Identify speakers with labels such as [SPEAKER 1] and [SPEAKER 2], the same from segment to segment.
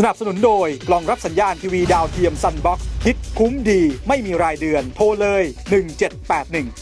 [SPEAKER 1] สนับสนุนโดยกล่องรับสัญญาณทีวีดาวเทียมซันบ็อกซ์คิดคุ้มดีไม่มีรายเดือนโทรเลย1781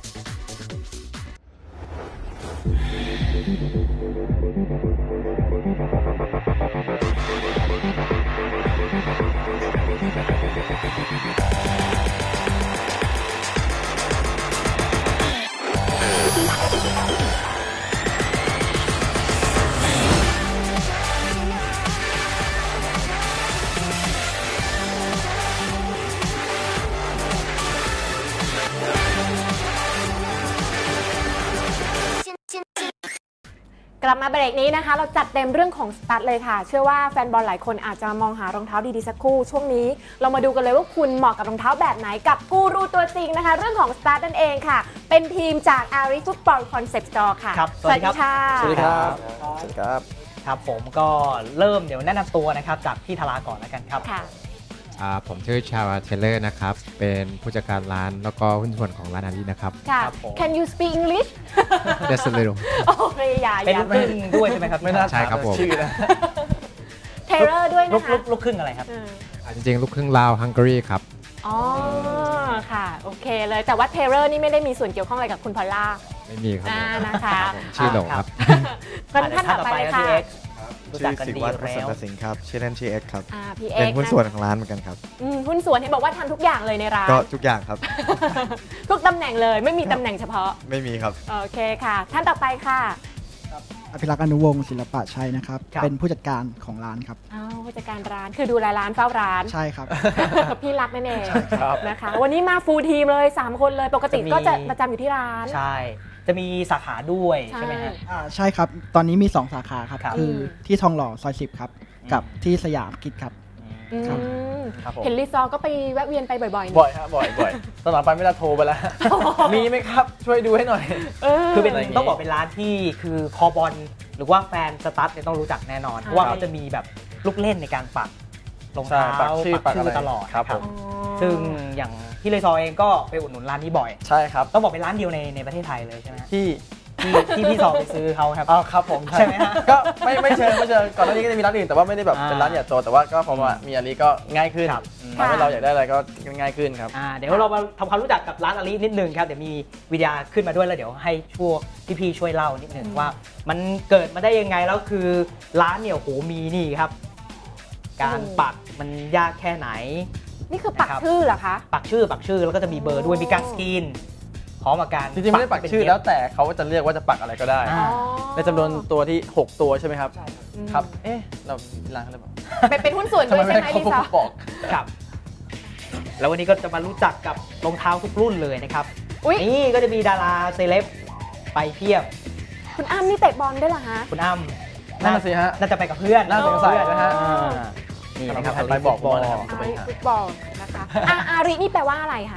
[SPEAKER 2] กลับมาเบรกนี้นะคะเราจัดเต็มเรื่องของสตั๊ดเลยค่ะเชื่อว่าแฟนบอลหลายคนอาจจะมองหารองเท้าดีๆสักคู่ช่วงนี้เรามาดูกันเลยว่าคุณเหมาะกับรองเท้าแบบไหนกับกูรูตัวจริงนะคะเรื่องของสตั๊ดนั่นเองค่ะเป็นทีมจาก Aris Football Concept Store ค่ะ
[SPEAKER 3] สวัสดีครับ
[SPEAKER 2] สวัสดีครับ
[SPEAKER 3] สวัสดีครับครับผมก็เริ่มเดี๋ยวแนะนำตัวนะครับจากพี่ธาราก่อนแล้วกันครับ
[SPEAKER 4] ผมชื่อชาวเทเลอร์นะครับเป็นผู้จัดการร้านแล้วก็หุ้นส่วนของร้านอารีนะครับ
[SPEAKER 2] ค่ะ Can you speak English
[SPEAKER 4] Just a little
[SPEAKER 2] โอ้ยอย่า
[SPEAKER 3] เป็นลูกครึ่งด้วยใช่ไหมครับ
[SPEAKER 4] ไม่น่าใช่ครับผม
[SPEAKER 3] ชื่อนะ
[SPEAKER 2] เทเลอร์ด้วยนะคะ
[SPEAKER 3] ลูกครึ่งอะไรครับ
[SPEAKER 4] จริงๆลูกครึ่งลาวฮังการีครับ
[SPEAKER 2] อ๋อค่ะโอเคเลยแต่ว่าเทเลอร์นี่ไม่ได้มีส่วนเกี่ยวข้องอะไรกับคุณพอลล่า
[SPEAKER 4] ไม่มีครับ
[SPEAKER 2] นะคะ
[SPEAKER 4] ชื่อหลงครับ
[SPEAKER 2] ท่านต่อไปเลยค่ะ
[SPEAKER 5] ชื่อศิวัตร ประเสริฐสิงห์ครับชื่อเล่นชื่อเอ็กครับเป็นหุ้นส่วนของร้านเหมือนกันครับ
[SPEAKER 2] หุ้นส่วนเห็นบอกว่าทำทุกอย่างเลยในร้าน
[SPEAKER 5] ก็ทุกอย่างครับ
[SPEAKER 2] ทุกตำแหน่งเลยไม่มีตำแหน่งเฉพาะ
[SPEAKER 5] ไม่มีครับ
[SPEAKER 2] โอเคค่ะท่านต่อไปค่ะ
[SPEAKER 6] อภิรักษ์อนุวงศ์ศิลปะชัยนะครับเป็นผู้จัดการของร้านครับ
[SPEAKER 2] ผู้จัดการร้านคือดูแลร้านเฝ้าร้าน
[SPEAKER 6] ใช่ครับ
[SPEAKER 2] พี่รักนั่นเองนะคะวันนี้มาฟูลทีมเลย3คนเลยปกติก็จะประจำอยู่ที่ร้าน
[SPEAKER 3] ใช่จะมีสาขาด้วยใช่ไหมฮะ
[SPEAKER 6] ใช่ครับตอนนี้มี2สาขาครับคือที่ทองหล่อซอย10ครับกับที่สยามกิจครับ
[SPEAKER 2] เห็นรีซอร์ก็ไปแวะเวียนไปบ่อย
[SPEAKER 7] ๆบ่อยครับบ่อยตอนหลังไปไม่ได้โทรไปแล้วมีไหมครับช่วยดูให้หน่อย
[SPEAKER 3] คือเป็นต้องบอกเป็นร้านที่คือคอบอลหรือว่าแฟนสตั๊ดเนี่ยต้องรู้จักแน่นอนเพราะว่าเขาจะมีแบบลูกเล่นในการปักรองเท้าปักชื่อตลอด
[SPEAKER 7] ครับผม
[SPEAKER 3] ซึ่งอย่างพี่เลซอเองก็ไปอุดหนุนร้านนี้บ่อย
[SPEAKER 7] ใช่ครับ
[SPEAKER 3] ต้องบอกเป็นร้านเดียวในประเทศไทยเลยใช่ไหม
[SPEAKER 7] ที่
[SPEAKER 3] พี่ซอไปซื้อเขาครับ
[SPEAKER 7] ครับผม
[SPEAKER 3] ใช่ไหมฮะ
[SPEAKER 7] ก็ไม่เชิงก่อนหน้านี้ก็จะมีร้านอื่นแต่ว่าไม่ได้แบบเป็นร้านใหญ่โตแต่ว่าก็พอมามีอันนี้ก็ง่ายขึ้นทำให้เราอยากได้อะไรก็ง่ายขึ้นครับ
[SPEAKER 3] เดี๋ยวเรามาทำความรู้จักกับร้านอารีนิดนึงครับเดี๋ยวมีวิดีโอขึ้นมาด้วยแล้วเดี๋ยวให้พี่ช่วยเล่านิดนึงว่ามันเกิดมาได้ยังไงแล้วคือร้านเนี่ยโหมีนี่ครับการปักมันยากแค่ไหน
[SPEAKER 2] นี่คือปักชื่อเหรอคะ
[SPEAKER 3] ปักชื่อแล้วก็จะมีเบอร์ด้วยมีการสกรีนพร้อมกับการ
[SPEAKER 7] จริงๆไม่ได้ปักชื่อแล้วแต่เขาจะเรียกว่าจะปักอะไรก็ได้ในจำนวนตัวที่6ตัวใช่ไหมครับครับเราร้านอะไรบ้าง
[SPEAKER 2] เป็นหุ้นส่วนด้วยใช่ไหมลิซ่า
[SPEAKER 3] ครับแล้ววันนี้ก็จะมารู้จักกับรองเท้าทุกรุ่นเลยนะครับนี่ก็จะมีดาราเซเลบไปเพียบ
[SPEAKER 2] คุณอ้ำนี่เตะบอลได้เหรอฮะ
[SPEAKER 3] คุณอ้ำ
[SPEAKER 7] น่าสิฮะ
[SPEAKER 3] น่าจะไปกับเพื่อน
[SPEAKER 7] น่าสงสัยนะฮะ
[SPEAKER 3] นี่นะครับ
[SPEAKER 7] ไปบอกบอลนะครับ
[SPEAKER 2] ฟุตบอลนะคะอารินี่แปลว่าอะไรคะ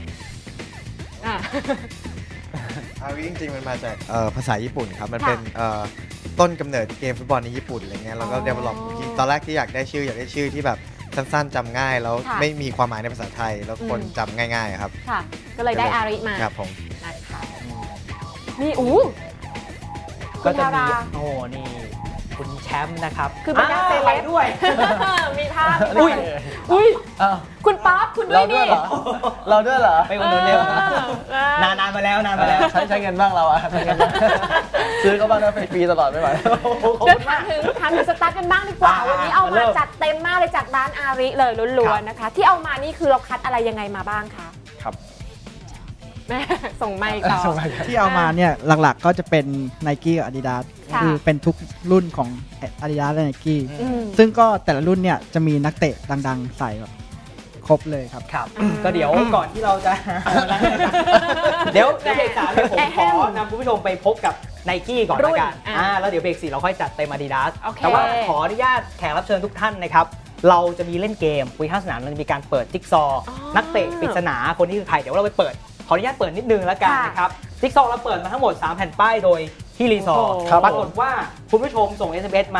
[SPEAKER 5] อาริจริงๆมันมาจากภาษาญี่ปุ่นครับมันเป็นต้นกำเนิดเกมฟุตบอลในญี่ปุ่นอะไรเงี้ยแล้วก็เดเวลลอปตอนแรกที่อยากได้ชื่อที่แบบสั้นๆจำง่ายแล้วไม่มีความหมายในภาษาไทยแล้วคนจำง่ายๆครับ
[SPEAKER 2] ค่ะก็เลยได้อาริมา
[SPEAKER 5] ครับผม
[SPEAKER 2] นะคะนี่
[SPEAKER 3] ก็จะมีนี่คุณแชมป์นะครับ
[SPEAKER 2] คือบรรดาเซเลบ
[SPEAKER 3] ด้วย
[SPEAKER 2] มีภาพอุ้ยคุณป๊อปคุณด้วยนี่
[SPEAKER 7] เราด้วยเหรอ
[SPEAKER 3] ไปอุดหนุนเร็วนานมาแล้ว
[SPEAKER 7] ใช้เงินบ้างเราอะซื้อเขาบ้างนะฟรีตลอดไม่ไหว
[SPEAKER 2] เดี๋ยวถามถึงสตาร์ทกันบ้างดีกว่าวันนี้เอามาจัดเต็มมากเลยจากร้านอาริเลยล้วนๆนะคะที่เอามานี่คือเราคัดอะไรยังไงมาบ้างคะ
[SPEAKER 7] ครับ
[SPEAKER 2] แม่ส่งไมค์ต่อ
[SPEAKER 6] ที่เอามาเนี่ยหลักๆก็จะเป็น Nike กับ Adidas คือเป็นทุกรุ่นของ Adidas และ Nike ซึ่งก็แต่ละรุ่นเนี่ยจะมีนักเตะดังๆใส่แบบครบเลยครับ
[SPEAKER 3] ก็เดี๋ยวก่อนที่เราจะเดี๋ยวเบรก3ผมขอนำคุณผู้ชมไปพบกับ Nike ก่อนละกันแล้วเดี๋ยวเบรก4เราค่อยจัดเต็ม Adidas แต่ว่าขออนุญาตแขกรับเชิญทุกท่านนะครับเราจะมีเล่นเกมคุยข้างสนามเราจะมีการเปิดจิ๊กซอนักเตะปริศนาคนนี้คือใครเดี๋ยวเราไปเปิดขออนุญาตเปิดนิดนึงแล้วกันนะครับจิ๊กซอเราเปิดมาทั้งหมด3แผ่นป้ายโดยที่รีซอร์ปรากฏว่าคุณผู้ชมส่ง SMS มาบอก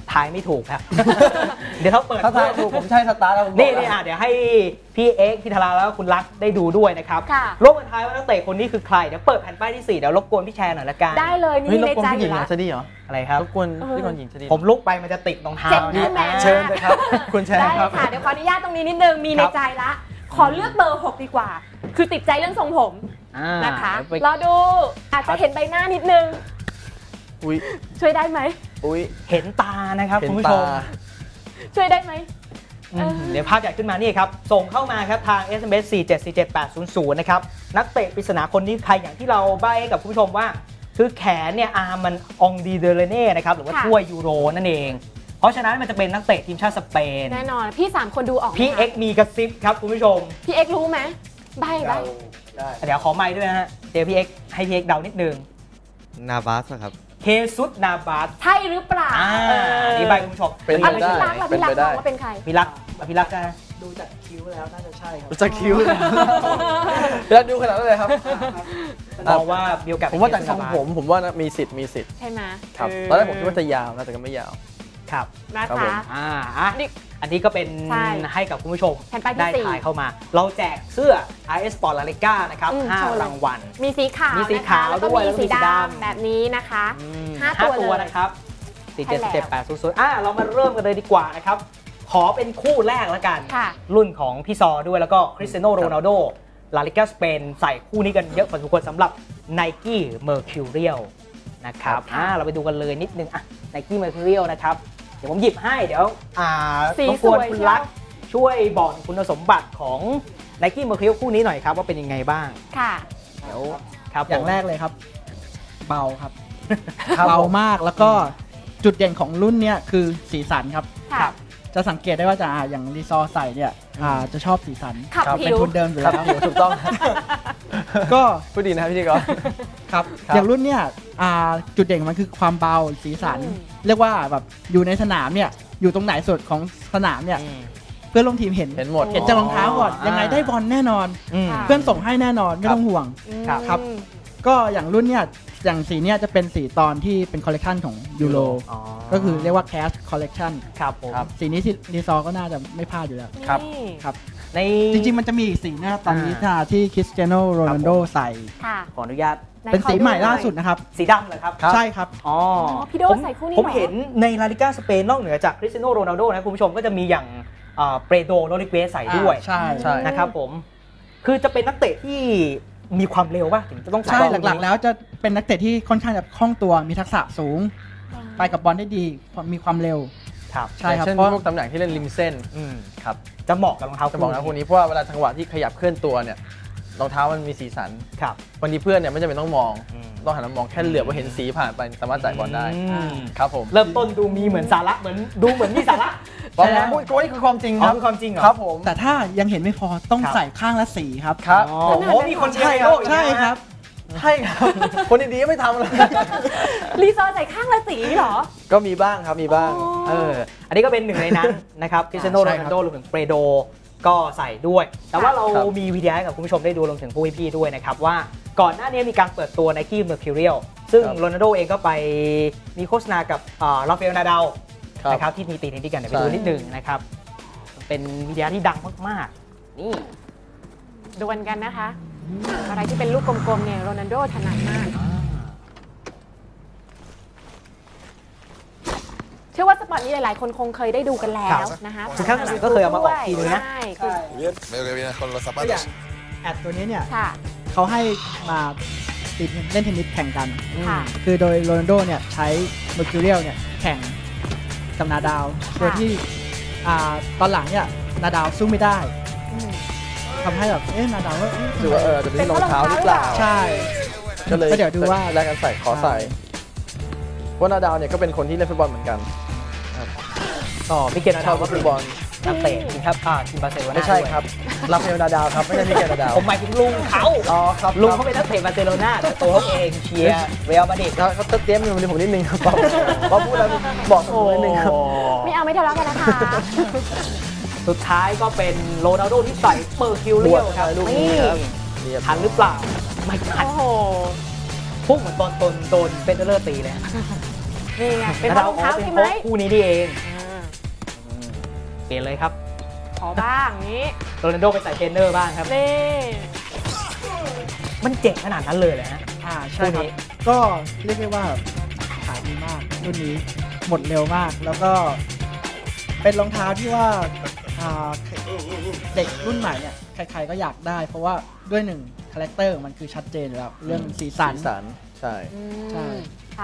[SPEAKER 3] ทายไม่ถูกครับ เดี๋ยวเขาเปิด
[SPEAKER 7] ถ้าทายถูกผมใช่สตาร์ทแล้วผมบอก
[SPEAKER 3] นี่เดี๋ยวให้พี่เอ็กซ์พี่ธาราแล้วก็คุณลักษณ์ได้ดูด้วยนะครับ
[SPEAKER 2] ค่ะ
[SPEAKER 3] ร่วมกันทายว่านักเตะคนนี้คือใครเดี๋ยวเปิดแผ่นป้ายที่ 4เดี๋ยวรบกวนพี่แชร์หน่อยละกัน
[SPEAKER 2] ได้เลย
[SPEAKER 7] เฮ้ย
[SPEAKER 2] นี่
[SPEAKER 7] รบ
[SPEAKER 2] ใน
[SPEAKER 7] กวน
[SPEAKER 2] ใจ
[SPEAKER 7] ผู้ห
[SPEAKER 2] อ
[SPEAKER 7] ญิง
[SPEAKER 2] ยู่
[SPEAKER 7] เหร
[SPEAKER 2] แล้
[SPEAKER 7] อ
[SPEAKER 2] ว
[SPEAKER 7] จะดีเหรอ
[SPEAKER 3] อะไรครับ
[SPEAKER 7] รบกวนพี่คนหญิงจะดี
[SPEAKER 3] ผมลุกไปมันจะติดรองเท้า
[SPEAKER 2] เจ็บที่แมน
[SPEAKER 7] เชิญเลยครับ คุณแชร์
[SPEAKER 2] ได้
[SPEAKER 7] ครับ
[SPEAKER 2] ค่ะเดี๋ยวขออนุญาตตรงนี้นิดนึงมีในใจละ ขอเลือกเบอร์ 6 ดีกว่า คือติดใจเรื่องทรงผม นะคะ
[SPEAKER 3] เดี๋ยวไป
[SPEAKER 2] รอดูอาจจะเห็นใบหน้านิดนึง
[SPEAKER 7] อุ้ย
[SPEAKER 2] ช่วยได้ไหม
[SPEAKER 7] อุ้ย
[SPEAKER 3] เห็นตานะครับ
[SPEAKER 7] เห็น
[SPEAKER 3] คุณผู้ช
[SPEAKER 7] ตา
[SPEAKER 3] ม
[SPEAKER 2] ช่วยได้ไหม
[SPEAKER 3] เดี๋ยวภาพใหญ่ขึ้นมานี่ครับ ส่งเข้ามาครับทาง SMS 4747800 นะครับนักเตะปริศนาคนนี้ใครอย่างที่เราใบ้ให้กับคุณผู้ชมว่า คือแขนเนี่ยอาร์มมันองดีเดเรเน่นะครับหรือว่า
[SPEAKER 2] ค่ะ
[SPEAKER 3] ถ้วยยูโรนั่นเอง เพราะฉะนั้นมันจะเป็นนักเตะทีมชาติสเปน
[SPEAKER 2] แน่นอน พี่ 3 คนดูออกไหม
[SPEAKER 3] พี่
[SPEAKER 2] คะ
[SPEAKER 3] เอ็กซ์มีกระซิบครับคุณผู้ชม
[SPEAKER 2] พี่เอ็กซ์รู้ไหมใบ
[SPEAKER 3] เดี๋ยวขอไมค์ด้วยนะฮะเดี๋ยวพี่เอ็กซ์ให้พี่เอ็กซ์เดานิดนึง
[SPEAKER 5] นาบาสครับ
[SPEAKER 3] เคซุสนาบาส
[SPEAKER 2] ใช่หรือเปล่า
[SPEAKER 3] นี่ใบคุณผู้ชม
[SPEAKER 7] เป็น
[SPEAKER 2] อะไร
[SPEAKER 7] ไปได้
[SPEAKER 2] พี่รักล่ะ
[SPEAKER 7] เป็น
[SPEAKER 2] พี่รัก
[SPEAKER 7] ไปได้
[SPEAKER 2] มองว่าเป็นใคร
[SPEAKER 3] พี่รักนะ
[SPEAKER 6] ดูจากคิ้วแล้วน่าจะใช่ครับ
[SPEAKER 7] จะคิ้วเลยแล้วดูขนาดนั้นเลยครับ
[SPEAKER 3] มองว่ามีโอกาส
[SPEAKER 7] ผมว่าจากทรงผมว่านะมีสิทธิ์
[SPEAKER 2] ใช่ไหม
[SPEAKER 7] ครับตอนแรกผมคิดว่าจะยาวนะแต่ก็ไม่ยาว
[SPEAKER 3] ครับ
[SPEAKER 2] นะครับ
[SPEAKER 7] ผม
[SPEAKER 2] คะ
[SPEAKER 3] อันนี้ก็เป็น
[SPEAKER 2] ใช่
[SPEAKER 3] ให้กับคุณผู้ชม
[SPEAKER 2] แผ่นป้ายที่
[SPEAKER 3] ได้
[SPEAKER 2] สี่
[SPEAKER 3] ถ่ายเข้ามา เราแจกเสื้อ IS Sport La Liga นะครับ
[SPEAKER 2] โชว์เลย
[SPEAKER 3] 5 รางวัล
[SPEAKER 2] มีสีขาว
[SPEAKER 3] มีสี
[SPEAKER 2] นะคะ
[SPEAKER 3] ขาว
[SPEAKER 2] แล้วก็
[SPEAKER 3] ด้วย
[SPEAKER 2] มี
[SPEAKER 3] แล้วก็
[SPEAKER 2] สี
[SPEAKER 3] มีสี
[SPEAKER 2] ด
[SPEAKER 3] ดำ
[SPEAKER 2] ำแบบนี้นะคะ
[SPEAKER 3] ห้า
[SPEAKER 2] 5 ตัว
[SPEAKER 3] ตัว
[SPEAKER 2] เลย
[SPEAKER 3] นะครับ
[SPEAKER 2] ใช่แล้ว
[SPEAKER 3] 4777800เรามาเริ่มกันเลยดีกว่านะครับ ขอเป็นคู่แรกแล้วกัน
[SPEAKER 2] ค่ะ
[SPEAKER 3] รุ่นของพี่ซอด้วยแล้วก็คริสเตียโนโรนัลโดลาลิกาสเปนใส่คู่นี้กันเยอะพอสมควรสำหรับ Nike Mercurial นะครับ
[SPEAKER 2] ค่ะ
[SPEAKER 3] เราไปดูกันเลยนิดนึงNike Mercurial นะครับ เดี๋ยวผมหยิบให้เดี๋ยว
[SPEAKER 2] สี
[SPEAKER 3] รบกวน
[SPEAKER 2] สวย
[SPEAKER 3] คุณ
[SPEAKER 2] เชียว
[SPEAKER 3] ลักษณ์ช่วยบอกคุณสมบัติของ Nike Mercurial คู่นี้หน่อยครับว่าเป็นยังไงบ้าง
[SPEAKER 2] ค่ะ
[SPEAKER 3] เดี๋ยวครับ
[SPEAKER 6] อย่าง
[SPEAKER 3] ผม
[SPEAKER 6] แรกเลยครับ เบาครับ
[SPEAKER 3] ครับ
[SPEAKER 6] เบามากแล้วก็จุดเด่นของรุ่นเนี้ยคือสีสันครับ
[SPEAKER 2] ค่ะ
[SPEAKER 6] จะสังเกตได้ว่าอย่างรีซอร์ใส่เนี่ยจะชอบสีสัน
[SPEAKER 2] ขับ
[SPEAKER 6] เป็น
[SPEAKER 2] ผิว
[SPEAKER 6] ทุนเดิมอยู่
[SPEAKER 7] ครั
[SPEAKER 6] แล้
[SPEAKER 7] บ
[SPEAKER 6] ว
[SPEAKER 7] ถูกต้อง
[SPEAKER 6] ก็
[SPEAKER 7] พูดดีนะครับพี่กร
[SPEAKER 6] ครับ
[SPEAKER 7] ครับ
[SPEAKER 6] อย่างรุ่นเนี่ยจุดเด่นของมันคือความเบาสีสัน เรียกว่าแบบอยู่ในสนามเนี่ยอยู่ตรงไหนสุดของสนามเนี่ยเพื่อนร่วมทีมเห็น
[SPEAKER 7] เห็นหมด
[SPEAKER 6] เห็นจากรองเท้าก่อน ยังไงได้บอลแน่นอน
[SPEAKER 2] ค่ะ
[SPEAKER 6] เพื่อนส่งให้แน่นอนไม่ต้องห่วง ครับ ก็อย่างรุ่นเนี่ยอย่างสีเนี่ยจะเป็นสีตอนที่เป็นคอลเลกชันของยูโร
[SPEAKER 3] อ๋อ
[SPEAKER 6] ก็คือเรียกว่า Cash Collection
[SPEAKER 3] ครับผม
[SPEAKER 7] ครับ
[SPEAKER 6] สีนี้ที่รีซอร์ก็น่าจะไม่พลาดอยู่แล้ว
[SPEAKER 7] ครับ
[SPEAKER 2] นี่
[SPEAKER 6] ครับ
[SPEAKER 3] ใน
[SPEAKER 6] จริงๆมันจะมีอีกสีนะตอนนี้ที่คริสเตียโนโรนัลโดใส่
[SPEAKER 2] ค่ะ
[SPEAKER 3] ขออนุญาต
[SPEAKER 2] ไห
[SPEAKER 6] เป็นสีใหม่ล่าสุดนะครับ
[SPEAKER 3] สีดำเหรอครับ
[SPEAKER 6] ใช่ครับ
[SPEAKER 3] อ๋อ
[SPEAKER 2] พี่โดใส่คู่นี้
[SPEAKER 3] ผม
[SPEAKER 2] เหรอ
[SPEAKER 3] เห็นในลาลิกาสเปนนอกเหนือจากคริสเตียโนโรนัลโดนะคุณผู้ชมก็จะมีอย่างเปโดโรดิเกสใส่ด้วย
[SPEAKER 6] ใช่
[SPEAKER 7] ใช่
[SPEAKER 3] นะครับผม คือจะเป็นนักเตะที่มีความเร็วป่ะถึงจะต้องใส่
[SPEAKER 6] ใช่
[SPEAKER 3] บอ
[SPEAKER 6] หลักๆ แล้วจะเป็นนักเตะที่ค่อนข้างจะคล่องตัวมีทักษะสูง ไปกับบอลได้ดีมีความเร็ว
[SPEAKER 3] ครับ
[SPEAKER 6] ใช่ครับ
[SPEAKER 7] เช่น
[SPEAKER 6] เพราะ
[SPEAKER 7] พวกตำแหน่งที่เล่นริมเส้น
[SPEAKER 3] อืม
[SPEAKER 7] ครับ
[SPEAKER 3] จะเหมาะกับรองเท้า
[SPEAKER 7] จะบอกนะพวกนี้เพราะว่าเวลาจังหวะที่ขยับเคลื่อนตัวเนี่ยรองเท้ามันมีสีสัน
[SPEAKER 3] ครับ
[SPEAKER 7] บางทีเพื่อนเนี่ยไม่จำเป็นต้องมอง
[SPEAKER 3] อืม
[SPEAKER 7] ต้องหันมามองแค่เหลือบว่าเห็นสีผ่านไปสามารถจ่ายบอลได้
[SPEAKER 3] อืม
[SPEAKER 7] ครับผม
[SPEAKER 3] เริ่มต้นดูมีเหมือนสาระเหมือนมีสาระ
[SPEAKER 7] เพราะ
[SPEAKER 3] ใช่ไหม
[SPEAKER 7] พูดก็นี่คือความจริง
[SPEAKER 3] อ๋
[SPEAKER 7] ค
[SPEAKER 3] อ
[SPEAKER 7] รับ
[SPEAKER 3] คือความจริงเหรอ
[SPEAKER 7] ครับผม
[SPEAKER 6] แต่ถ้ายังเห็นไม่พอต้อง
[SPEAKER 3] ครับ
[SPEAKER 6] ใส่ข้างละสีครับ
[SPEAKER 7] ครับ
[SPEAKER 3] อ๋อ
[SPEAKER 7] ผม
[SPEAKER 3] โอ้โหมีคนใช่ครับ
[SPEAKER 6] ใช่ครับ
[SPEAKER 7] ใช่ครับ คนดีๆก็ไม่ทำเลย
[SPEAKER 2] รีซอร์ใส่ข้างละสีเหรอ
[SPEAKER 7] ก็มีบ้างครับมีบ้าง
[SPEAKER 3] อันนี้ก็เป็นหนึ่งในนั้นนะครับคริสเตียโนโรนัลโดรวมถึงเปโดก็ใส่ด้วย แต่ว่าเรา
[SPEAKER 7] ครับ
[SPEAKER 3] มีวิดีโอให้กับคุณผู้ชมได้ดูรวมถึงผู้พี่ๆด้วยนะครับว่าก่อนหน้านี้มีการเปิดตัว Nike Mercurial ซึ่งโรนัลโดเองก็ไปมีโฆษณากับราฟาเอลนาดาลนะครับที่มีตีเทนนิสกันเดี๋ยวไปดูนิดนึงนะครับ เป็นวิดีโอที่ดังมากๆ นี่
[SPEAKER 2] ดวลกันนะคะ อะไรที่เป็นลูกกลมๆเนี่ยโรนัลโดถนัดมาก เชื่อว่าสปอร์ตนี้หลายๆคนคงเคยได้ดูกันแล้วนะคะ
[SPEAKER 3] คือข้างหลังก็เคยเอามาออกทีนึงนะ
[SPEAKER 2] ใช่คือ
[SPEAKER 8] Bien, veo que vienes con los
[SPEAKER 6] ก็อย่าง
[SPEAKER 8] zapatos.
[SPEAKER 6] แอดตัวนี้เนี่ย
[SPEAKER 2] ค่ะ
[SPEAKER 6] เขาให้มาติดเล่นเทนนิสแข่งกัน
[SPEAKER 2] ค่ะ
[SPEAKER 6] คือโดยโรนัลโดเนี่ยใช้เมอร์คิวเรียลเนี่ยแข่งกับนาดาวโดยที่ตอนหลังเนี่ยนาดาวสู้ไม่ได้
[SPEAKER 2] อืม
[SPEAKER 6] ทำให้แบบนาดาวว่าเอ๊ะ
[SPEAKER 7] หรือว่าจะเป็นรองเท้าหรือเปล่า
[SPEAKER 6] ใช่
[SPEAKER 7] ก็เลย
[SPEAKER 6] ก็เดี๋ยวดูว่า
[SPEAKER 7] แลกกันใส่ขอใส่เพราะนาดาวเนี่ยก็เป็นคนที่เล่นฟุตบอลเหมือนกัน
[SPEAKER 3] ต่อพี่เกณฑ์นา
[SPEAKER 7] ช
[SPEAKER 3] ดา
[SPEAKER 7] อ
[SPEAKER 3] ว
[SPEAKER 7] บ
[SPEAKER 3] ก็
[SPEAKER 7] ฟุ
[SPEAKER 3] คือ
[SPEAKER 7] ตบอล
[SPEAKER 3] นักเตะทีมครับทีมบาร์เซโลนา
[SPEAKER 7] ไม่ใช่
[SPEAKER 3] ด้วย
[SPEAKER 7] ครับราฟาเอลนาดาวครับไม่ใช่มิเกลนาดาว
[SPEAKER 3] ผมหมายถึงลุงเขา
[SPEAKER 7] อ๋อครับ
[SPEAKER 3] ลุงเขาเป็นนักเตะบาร์เซโลนาแต่ตัวเขาเองเชียร์เรอัลมาดริด
[SPEAKER 7] เขาเตรียมอยู่ผมนิดนึงครับพอพูดแล้วบอกผมนิดนึงครับ
[SPEAKER 2] ไม่เอาไม่ทะเลาะกันนะคะ
[SPEAKER 3] สุดท้ายก็เป็นโรนัลโดที่ใส่เปอร์คิวเรียลครับ
[SPEAKER 7] ลูกนี้
[SPEAKER 3] นี่
[SPEAKER 7] ครับเรียบ
[SPEAKER 3] ทันหรือเปล่า ไม่ทัน
[SPEAKER 2] โอ้โห
[SPEAKER 3] พุ่งเหมือนบอลโดนเฟเดอร์ตีเลย
[SPEAKER 2] นี่ไงเป็นเพราะรองเท้าใช่ไหม
[SPEAKER 3] คู่นี้นี่เองเปลี่ยนเลยครับ
[SPEAKER 2] ขอบ้างนี้
[SPEAKER 3] โรนัลโดไปใส่เทรนเนอร์บ้างครับ
[SPEAKER 2] นี่
[SPEAKER 3] มันเจ๋งขนาดนั้นเลยเหรอฮะ
[SPEAKER 6] ใช่ครับ ก็เรียกได้ว่าขายดีมากรุ่นนี้หมดเร็วมาก แล้วก็เป็นรองเท้าที่ว่าเด็กรุ่นใหม่เนี่ยใครๆก็อยากได้ เพราะว่าด้วยหนึ่งคาแรคเตอร์มันคือชัดเจนอยู่แล้วเรื่องสีสัน
[SPEAKER 7] ใช่
[SPEAKER 6] ใช่
[SPEAKER 2] ค่ะ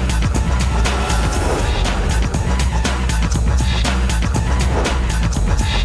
[SPEAKER 6] ค